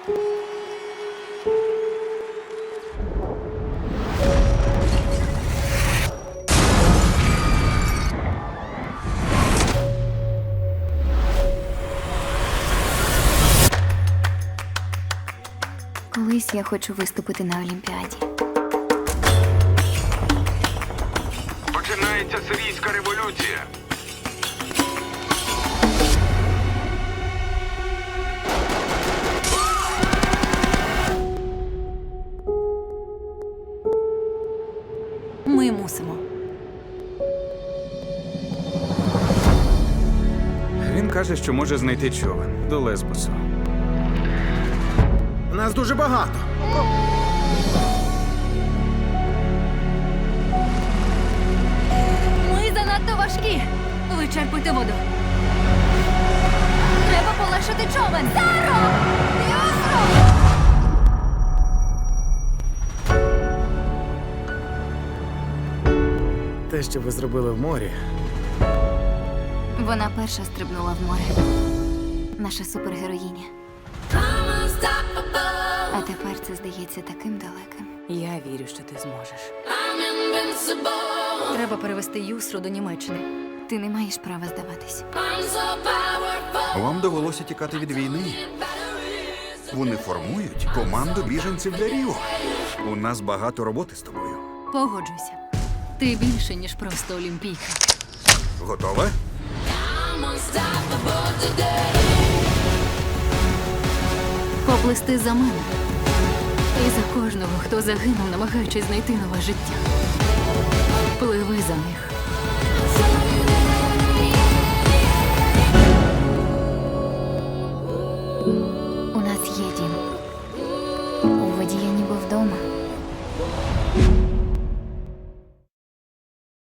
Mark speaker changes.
Speaker 1: Колись я хочу виступити на Олімпіаді.
Speaker 2: Починається сирійська революція.
Speaker 1: Ми мусимо.
Speaker 3: Він каже, що може знайти човен до Лесбосу.
Speaker 4: Нас дуже багато.
Speaker 1: Ми занадто важкі. Вичерпуйте воду. Треба полегшити човен. Саро! Юсро!
Speaker 4: Те, що ви зробили в морі,
Speaker 1: Вона перша стрибнула в море. Наша супергероїня. А тепер це здається таким далеким.
Speaker 5: Я вірю, що ти зможеш.
Speaker 1: Треба перевести Юсру до Німеччини. Ти не маєш права здаватись.
Speaker 6: Вам довелося тікати від війни. Вони формують команду біженців для Ріо. У нас багато роботи з тобою.
Speaker 1: Погоджуйся. Ти більше, ніж просто олімпійка.
Speaker 6: Готова?
Speaker 1: Поплисти за мене. І за кожного, хто загинув, намагаючись знайти нове життя. Пливи за них. У нас є дім. У воді я ніби вдома.